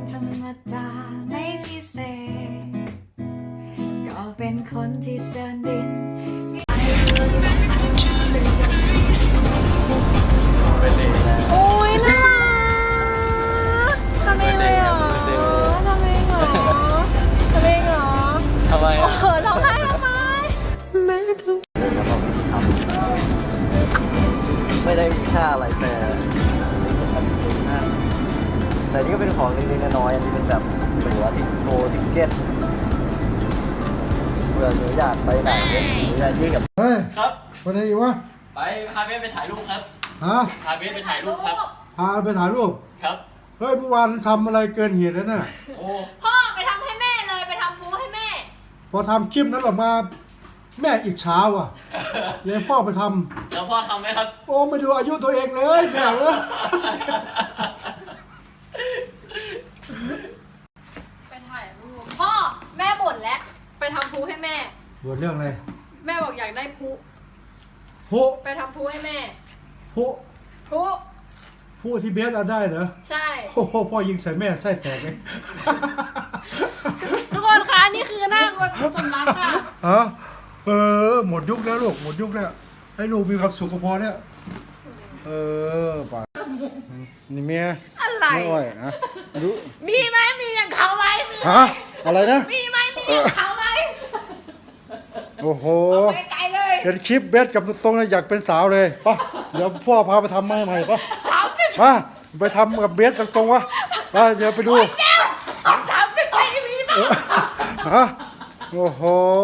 ธรรมดาไม่พิเศษก็เป็นคนที่เดินดินโอ้ยน่ารักทำเองเลยเหรอทำเองเหรอทำเองเหรอทำไมอ่ะร้องไห้ทำไมแม่ทุกไม่ได้มีค่าอะไรแต่นี่ก็เป็นของเล็กๆน้อยๆอันนี้เป็นแบบตั๋วทิเก็ตเผื่อหนูอยากไปไหนหนูอยากยื่นกับเฮ้ยครับไปไหนอีกวะไปพาเบสไปถ่ายรูปครับฮะพาเบสไปถ่ายรูปครับพาไปถ่ายรูปครับเฮ้ยเมื่อวานทำอะไรเกินเหตุแล้วน่ะโอ้พ่อไปทำให้แม่เลยไปทำพูให้แม่พอทำคลิปนั้นออกมาแม่อิจฉาว่ะเลยพ่อไปทแล้วพ่อทำไหมครับำโอ้ไม่ดูอายุตัวเองเลยแม่เอ้ยไปถ่ายรูปพ่อแม่บ่นแล้วไปทำพูให้แม่บทเรื่องอะไรแม่บอกอยากได้พูผู้ไปทำพูให้แม่ผู้พูผู้ที่เบสเอาได้เหรอใช่โอ้โหพ่อยิงใส่แม่ไส้แตกเลยทุกคนคะนี่คือหน้าคนสมรักค่ะฮะหมดยุคแล้วลูกหมดยุคแล้วให้ลูกมีความสุขก็พอแล้วป่านี่เมียอะไรไม่อ่อยนะดูมีไหมมีอย่างเขาไหมมีฮะอะไรนะมีไหมมีอย่างเขาไหมโอ้โหไปไกลเลยเห็นคลิปเบสกับทรงเลยอยากเป็นสาวเลยป่ะเดี๋ยวพ่อพาไปทำให้ใหม่ป่ะ 30 มาไปทำกับเบสตรงๆวะไปเดี๋ยวไปดูเจ้า30ปีมีไหมฮะโอ้โห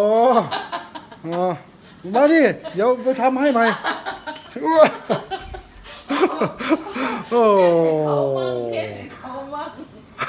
มาดิเดี๋ยวไปทำให้ใหม่อ้วโอ้เขามาก